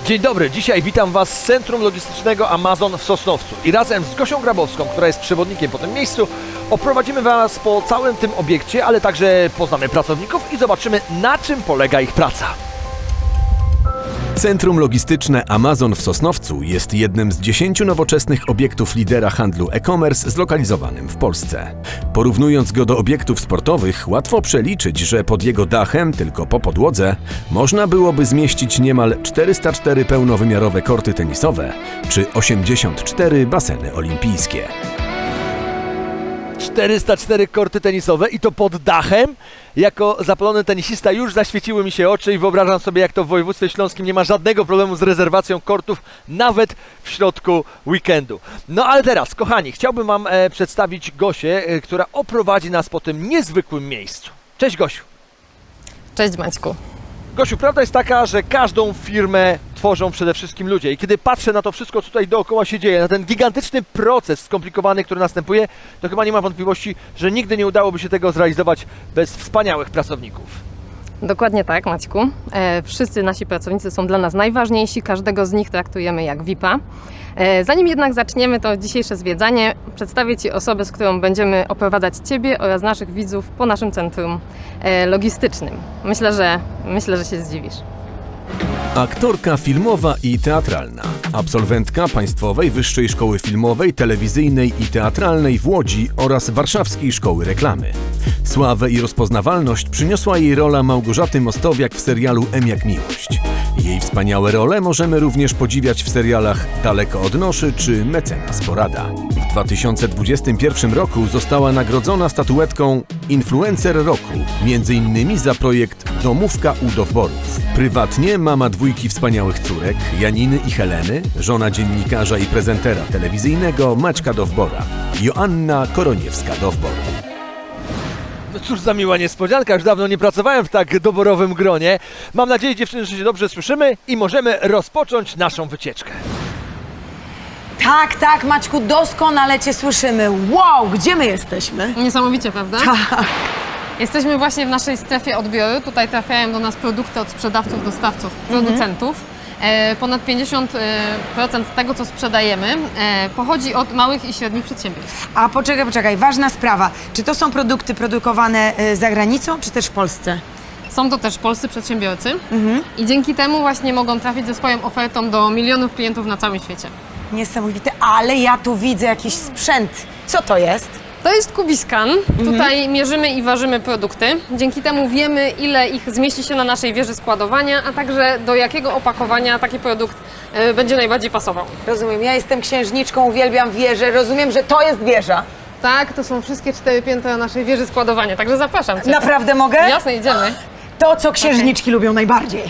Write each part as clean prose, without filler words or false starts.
Dzień dobry, dzisiaj witam Was z Centrum Logistycznego Amazon w Sosnowcu i razem z Gosią Grabowską, która jest przewodnikiem po tym miejscu, oprowadzimy Was po całym tym obiekcie, ale także poznamy pracowników i zobaczymy, na czym polega ich praca. Centrum Logistyczne Amazon w Sosnowcu jest jednym z 10 nowoczesnych obiektów lidera handlu e-commerce zlokalizowanym w Polsce. Porównując go do obiektów sportowych, łatwo przeliczyć, że pod jego dachem, tylko po podłodze, można byłoby zmieścić niemal 404 pełnowymiarowe korty tenisowe czy 84 baseny olimpijskie. 404 korty tenisowe i to pod dachem. Jako zapalony tenisista już zaświeciły mi się oczy i wyobrażam sobie, jak to w województwie śląskim nie ma żadnego problemu z rezerwacją kortów, nawet w środku weekendu. No ale teraz, kochani, chciałbym Wam przedstawić Gosię, która oprowadzi nas po tym niezwykłym miejscu. Cześć Gosiu. Cześć Maćku. Gosiu, prawda jest taka, że każdą firmę tworzą przede wszystkim ludzie i kiedy patrzę na to wszystko, co tutaj dookoła się dzieje, na ten gigantyczny proces skomplikowany, który następuje, to chyba nie ma wątpliwości, że nigdy nie udałoby się tego zrealizować bez wspaniałych pracowników. Dokładnie tak, Maćku. Wszyscy nasi pracownicy są dla nas najważniejsi, każdego z nich traktujemy jak VIP-a. Zanim jednak zaczniemy to dzisiejsze zwiedzanie, przedstawię Ci osobę, z którą będziemy oprowadzać Ciebie oraz naszych widzów po naszym centrum logistycznym. Myślę, że się zdziwisz. Aktorka filmowa i teatralna, absolwentka Państwowej Wyższej Szkoły Filmowej, Telewizyjnej i Teatralnej w Łodzi oraz Warszawskiej Szkoły Reklamy. Sławę i rozpoznawalność przyniosła jej rola Małgorzaty Mostowiak w serialu M jak miłość. Jej wspaniałe role możemy również podziwiać w serialach Daleko od noszy czy Mecenas Porada. W 2021 roku została nagrodzona statuetką Influencer Roku, m.in. za projekt Domówka u Dowborów. Prywatnie mama dwójki wspaniałych córek, Janiny i Heleny, żona dziennikarza i prezentera telewizyjnego Maćka Dowbora, Joanna Koroniewska-Dowbor. No cóż za miła niespodzianka, już dawno nie pracowałem w tak doborowym gronie. Mam nadzieję, dziewczyny, że się dobrze słyszymy i możemy rozpocząć naszą wycieczkę. Tak, Maćku, doskonale Cię słyszymy. Wow, gdzie my jesteśmy? Niesamowicie, prawda? Tak. Jesteśmy właśnie w naszej strefie odbioru. Tutaj trafiają do nas produkty od sprzedawców, dostawców, producentów. Ponad 50% tego, co sprzedajemy, pochodzi od małych i średnich przedsiębiorstw. A poczekaj, ważna sprawa. Czy to są produkty produkowane za granicą, czy też w Polsce? Są to też polscy przedsiębiorcy i dzięki temu właśnie mogą trafić ze swoją ofertą do milionów klientów na całym świecie. Niesamowite, ale ja tu widzę jakiś sprzęt. Co to jest? To jest Kubiscan. Tutaj mierzymy i ważymy produkty. Dzięki temu wiemy, ile ich zmieści się na naszej wieży składowania, a także do jakiego opakowania taki produkt będzie najbardziej pasował. Rozumiem, ja jestem księżniczką, uwielbiam wieżę, rozumiem, że to jest wieża. Tak, to są wszystkie 4 piętra naszej wieży składowania, także zapraszam Cię. Naprawdę mogę? Jasne, idziemy. To, co księżniczki lubią najbardziej.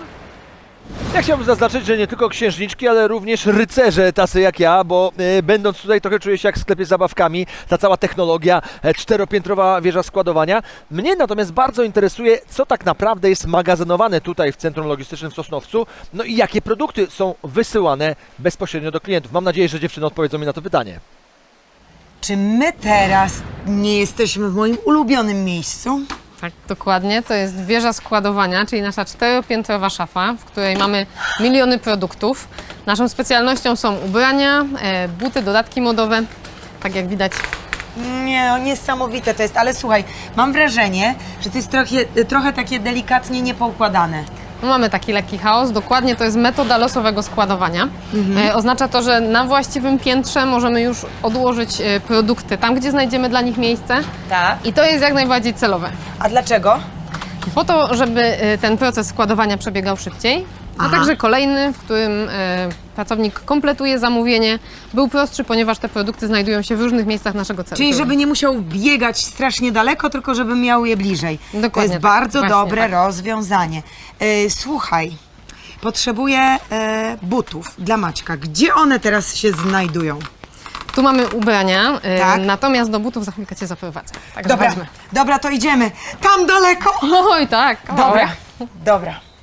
Ja chciałbym zaznaczyć, że nie tylko księżniczki, ale również rycerze tacy jak ja, bo będąc tutaj trochę czuję się jak w sklepie z zabawkami, ta cała technologia, 4-piętrowa wieża składowania. Mnie natomiast bardzo interesuje, co tak naprawdę jest magazynowane tutaj w Centrum Logistycznym w Sosnowcu, no i jakie produkty są wysyłane bezpośrednio do klientów. Mam nadzieję, że dziewczyny odpowiedzą mi na to pytanie. Czy my teraz nie jesteśmy w moim ulubionym miejscu? Tak, dokładnie. To jest wieża składowania, czyli nasza 4-piętrowa szafa, w której mamy miliony produktów. Naszą specjalnością są ubrania, buty, dodatki modowe, tak jak widać. Nie, no, niesamowite to jest, ale słuchaj, mam wrażenie, że to jest trochę takie delikatnie niepoukładane. No, mamy taki lekki chaos, dokładnie to jest metoda losowego składowania. Oznacza to, że na właściwym piętrze możemy już odłożyć produkty tam, gdzie znajdziemy dla nich miejsce. Tak. I to jest jak najbardziej celowe. A dlaczego? Po to, żeby ten proces składowania przebiegał szybciej, a także kolejny, w którym pracownik kompletuje zamówienie, był prostszy, ponieważ te produkty znajdują się w różnych miejscach naszego centrum. Czyli żeby nie musiał biegać strasznie daleko, tylko żeby miał je bliżej. Dokładnie to jest tak. bardzo Właśnie dobre tak. rozwiązanie. Słuchaj, potrzebuję butów dla Maćka. Gdzie one teraz się znajdują? Tu mamy ubrania, Tak. natomiast do butów za chwilkę Cię zaprowadzę. Także chodźmy. Dobra, to idziemy. Tam daleko. Oj tak, Dobra.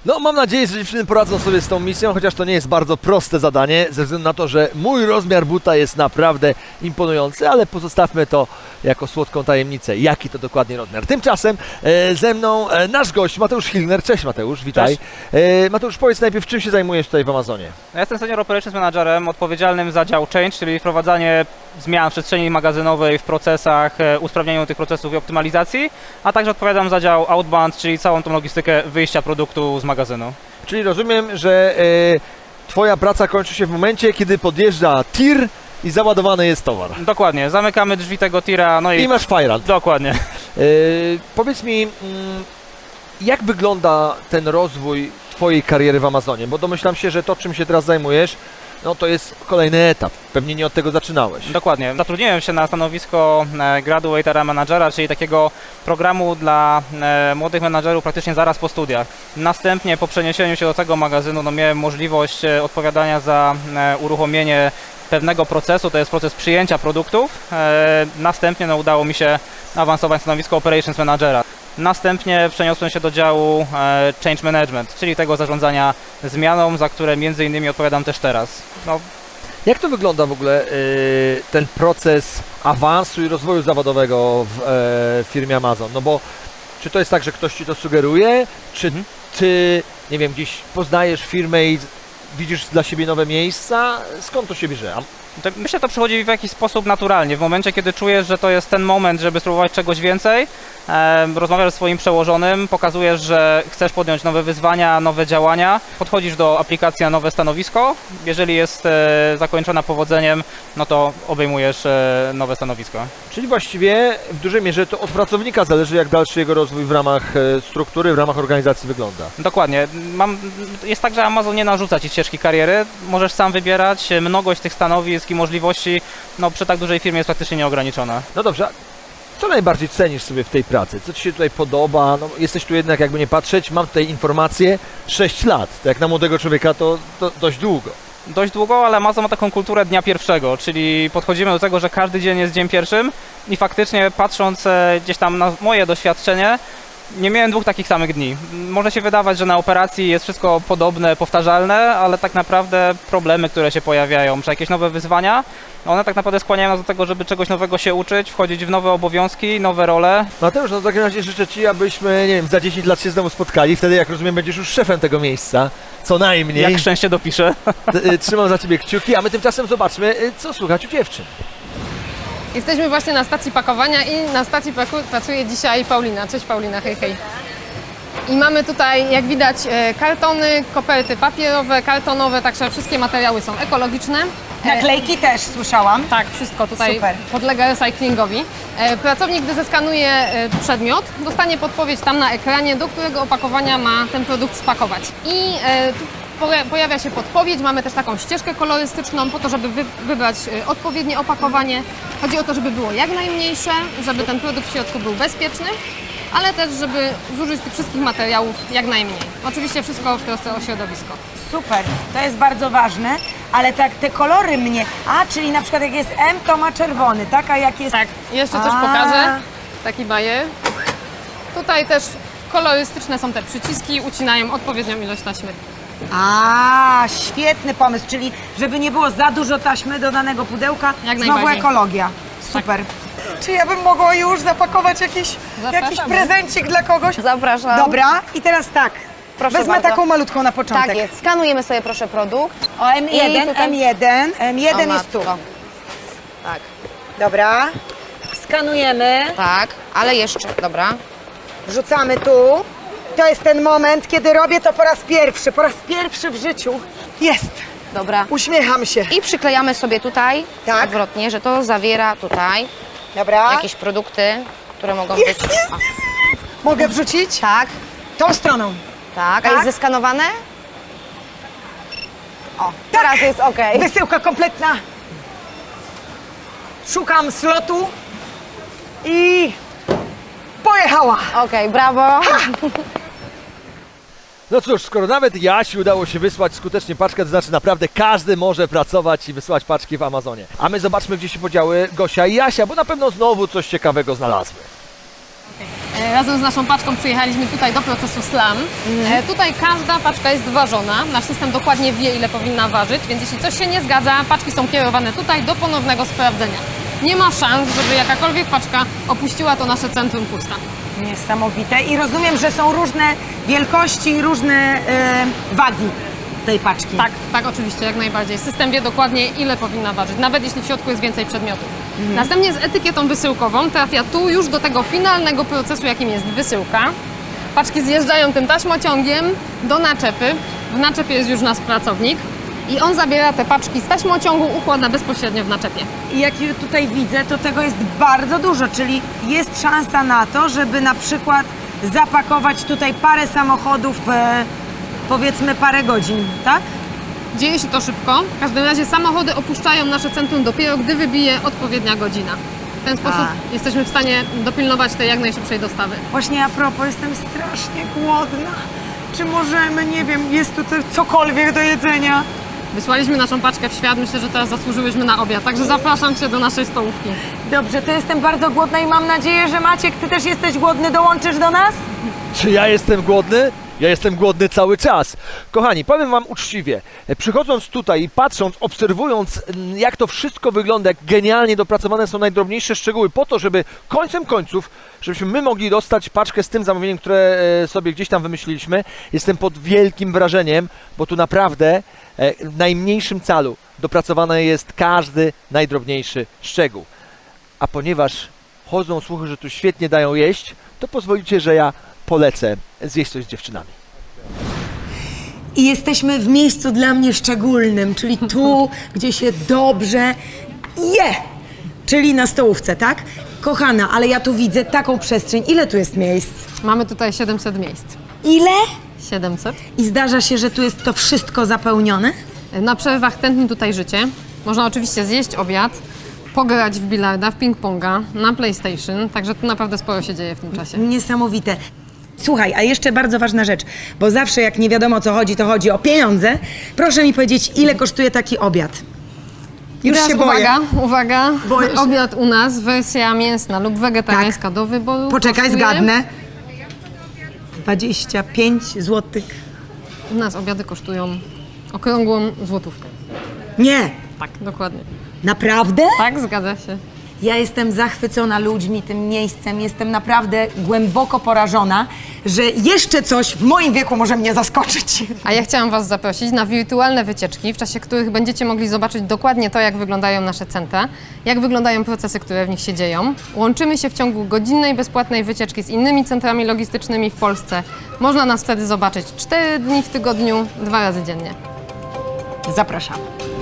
No, mam nadzieję, że dziewczyny poradzą sobie z tą misją, chociaż to nie jest bardzo proste zadanie, ze względu na to, że mój rozmiar buta jest naprawdę imponujący, ale pozostawmy to jako słodką tajemnicę, jaki to dokładnie rozmiar. Tymczasem ze mną nasz gość Mateusz Hilner. Cześć Mateusz, witaj. Mateusz, powiedz najpierw, czym się zajmujesz tutaj w Amazonie? Ja jestem Senior Operations Managerem odpowiedzialnym za dział Change, czyli wprowadzanie zmian w przestrzeni magazynowej, w procesach, usprawnianiu tych procesów i optymalizacji, a także odpowiadam za dział Outbound, czyli całą tą logistykę wyjścia produktu z magazynu. Czyli rozumiem, że twoja praca kończy się w momencie, kiedy podjeżdża tir i załadowany jest towar. Dokładnie, zamykamy drzwi tego tira, no I i... masz fajrant. Dokładnie. Powiedz mi, jak wygląda ten rozwój twojej kariery w Amazonie? Bo domyślam się, że to, czym się teraz zajmujesz, no to jest kolejny etap. Pewnie nie od tego zaczynałeś. Dokładnie. Zatrudniłem się na stanowisko Graduate Area Managera, czyli takiego programu dla młodych menadżerów praktycznie zaraz po studiach. Następnie po przeniesieniu się do tego magazynu no, miałem możliwość odpowiadania za uruchomienie pewnego procesu, to jest proces przyjęcia produktów. Następnie no, udało mi się awansować na stanowisko Operations Managera. Następnie przeniosłem się do działu Change Management, czyli tego zarządzania zmianą, za które między innymi odpowiadam też teraz. No, Jak to wygląda w ogóle ten proces awansu i rozwoju zawodowego w firmie Amazon? No bo czy to jest tak, że ktoś ci to sugeruje, czy ty, nie wiem, gdzieś poznajesz firmę i widzisz dla siebie nowe miejsca? Skąd to się bierze? Myślę, że to przychodzi w jakiś sposób naturalnie. W momencie, kiedy czujesz, że to jest ten moment, żeby spróbować czegoś więcej, rozmawiasz ze swoim przełożonym, pokazujesz, że chcesz podjąć nowe wyzwania, nowe działania, podchodzisz do aplikacji na nowe stanowisko. Jeżeli jest zakończona powodzeniem, no to obejmujesz nowe stanowisko. Czyli właściwie w dużej mierze to od pracownika zależy, jak dalszy jego rozwój w ramach struktury, w ramach organizacji wygląda. Dokładnie. Jest tak, że Amazon nie narzuca ci ścieżki kariery. Możesz sam wybierać. Mnogość tych stanowisk i możliwości no, przy tak dużej firmie jest praktycznie nieograniczona. No dobrze, a co najbardziej cenisz sobie w tej pracy? Co ci się tutaj podoba? No, jesteś tu jednak, jakby nie patrzeć, mam tutaj informację, 6 lat. To jak na młodego człowieka to dość długo. Dość długo, ale Amazon ma taką kulturę dnia pierwszego, czyli podchodzimy do tego, że każdy dzień jest dniem pierwszym i faktycznie patrząc gdzieś tam na moje doświadczenie, nie miałem dwóch takich samych dni. Może się wydawać, że na operacji jest wszystko podobne, powtarzalne, ale tak naprawdę problemy, które się pojawiają, czy jakieś nowe wyzwania, one tak naprawdę skłaniają nas do tego, żeby czegoś nowego się uczyć, wchodzić w nowe obowiązki, nowe role. Mateusz, no w takim razie życzę ci, abyśmy, nie wiem, za 10 lat się znowu spotkali. Wtedy, jak rozumiem, będziesz już szefem tego miejsca. Co najmniej. Jak szczęście dopiszę. Trzymam za ciebie kciuki, a my tymczasem zobaczmy, co słychać u dziewczyn. Jesteśmy właśnie na stacji pakowania i na stacji pracuje dzisiaj Paulina. Cześć Paulina, hej hej. I mamy tutaj, jak widać, kartony, koperty papierowe, kartonowe, także wszystkie materiały są ekologiczne. Naklejki też słyszałam. Tak, wszystko tutaj Super. podlega recyklingowi. Pracownik, gdy zeskanuje przedmiot, dostanie podpowiedź tam na ekranie, do którego opakowania ma ten produkt spakować. I tu pojawia się podpowiedź, mamy też taką ścieżkę kolorystyczną po to, żeby wybrać odpowiednie opakowanie. Chodzi o to, żeby było jak najmniejsze, żeby ten produkt w środku był bezpieczny, ale też, żeby zużyć tych wszystkich materiałów jak najmniej. Oczywiście wszystko w trosce o środowisko. Super, to jest bardzo ważne, ale tak te kolory mnie... czyli na przykład jak jest M, to ma czerwony, tak? A jak jest... Tak, jeszcze coś pokażę. Taki bajer. Tutaj też kolorystyczne są te przyciski, ucinają odpowiednią ilość taśmy. Świetny pomysł, czyli żeby nie było za dużo taśmy do danego pudełka, Jak znowu najbardziej. ekologia. Super. Czy ja bym mogła już zapakować jakiś Zapraszamy. prezencik dla kogoś? Zapraszam. Dobra, i teraz tak, Proszę wezmę bardzo. taką malutką na początek. Tak jest. Skanujemy sobie proszę produkt. O, M1, I tutaj- M1 O, jest tu. matko. Tak, Dobra, skanujemy, tak, ale jeszcze, dobra. wrzucamy tu. To jest ten moment, kiedy robię to po raz pierwszy w życiu. Jest, Dobra. uśmiecham się. I przyklejamy sobie tutaj Tak. odwrotnie, że to zawiera tutaj Dobra, jakieś produkty, które mogą Jest, być. jest. O, mogę wrzucić? tak, Tą stroną. tak. A Tak. jest zeskanowane? O, teraz jest ok. Wysyłka kompletna. Szukam slotu i pojechała. Okej, brawo. No cóż, skoro nawet Jasi udało się wysłać skutecznie paczkę, to znaczy naprawdę każdy może pracować i wysyłać paczki w Amazonie. A my zobaczmy, gdzie się podziały Gosia i Jasia, bo na pewno znowu coś ciekawego znalazły. Razem z naszą paczką przyjechaliśmy tutaj do procesu SLAM. Tutaj każda paczka jest ważona. Nasz system dokładnie wie, ile powinna ważyć, więc jeśli coś się nie zgadza, paczki są kierowane tutaj do ponownego sprawdzenia. Nie ma szans, żeby jakakolwiek paczka opuściła to nasze centrum pusta. Niesamowite. I rozumiem, że są różne wielkości i różne wagi tej paczki. Tak, oczywiście, jak najbardziej. System wie dokładnie, ile powinna ważyć, nawet jeśli w środku jest więcej przedmiotów. Następnie z etykietą wysyłkową trafia tu już do tego finalnego procesu, jakim jest wysyłka. Paczki zjeżdżają tym taśmociągiem do naczepy. W naczepie jest już nasz pracownik i on zabiera te paczki z taśmociągu, układa bezpośrednio w naczepie. I jak tutaj widzę, to tego jest bardzo dużo, czyli jest szansa na to, żeby na przykład zapakować tutaj parę samochodów w powiedzmy parę godzin, tak? Dzieje się to szybko. W każdym razie samochody opuszczają nasze centrum dopiero, gdy wybije odpowiednia godzina. W ten sposób jesteśmy w stanie dopilnować tej jak najszybszej dostawy. Właśnie a propos, jestem strasznie głodna. Czy możemy, nie wiem, jest tutaj cokolwiek do jedzenia? Wysłaliśmy naszą paczkę w świat, myślę, że teraz zasłużyłyśmy na obiad, także zapraszam Cię do naszej stołówki. Dobrze, to jestem bardzo głodna i mam nadzieję, że Maciek, Ty też jesteś głodny, dołączysz do nas? Czy ja jestem głodny? Ja jestem głodny cały czas. Kochani, powiem wam uczciwie, przychodząc tutaj i patrząc, obserwując jak to wszystko wygląda, jak genialnie dopracowane są najdrobniejsze szczegóły po to, żeby końcem końców, żebyśmy my mogli dostać paczkę z tym zamówieniem, które sobie gdzieś tam wymyśliliśmy, jestem pod wielkim wrażeniem, bo tu naprawdę w najmniejszym calu dopracowany jest każdy najdrobniejszy szczegół. A ponieważ chodzą słuchy, że tu świetnie dają jeść, to pozwolicie, że ja polecę zjeść coś z dziewczynami. I jesteśmy w miejscu dla mnie szczególnym, czyli tu, gdzie się dobrze je, czyli na stołówce, tak? Kochana, ale ja tu widzę taką przestrzeń. Ile tu jest miejsc? Mamy tutaj 700 miejsc. Ile? 700. I zdarza się, że tu jest to wszystko zapełnione? Na przerwach tętni tutaj życie. Można oczywiście zjeść obiad, pograć w bilarda, w ping-ponga, na PlayStation, także tu naprawdę sporo się dzieje w tym czasie. Niesamowite. Słuchaj, a jeszcze bardzo ważna rzecz, bo zawsze jak nie wiadomo o co chodzi, to chodzi o pieniądze. Proszę mi powiedzieć, ile kosztuje taki obiad? Już Teraz się boję. uwaga, Boję się. obiad u nas, wersja mięsna lub wegetariańska do wyboru. Poczekaj, kosztuje- zgadnę. 25 zł. U nas obiady kosztują okrągłą złotówkę. Nie, Tak, dokładnie. naprawdę? Tak, zgadza się. Ja jestem zachwycona ludźmi, tym miejscem. Jestem naprawdę głęboko porażona, że jeszcze coś w moim wieku może mnie zaskoczyć. A ja chciałam Was zaprosić na wirtualne wycieczki, w czasie których będziecie mogli zobaczyć dokładnie to, jak wyglądają nasze centra, jak wyglądają procesy, które w nich się dzieją. Łączymy się w ciągu godzinnej, bezpłatnej wycieczki z innymi centrami logistycznymi w Polsce. Można nas wtedy zobaczyć 4 dni w tygodniu, 2 razy dziennie. Zapraszam.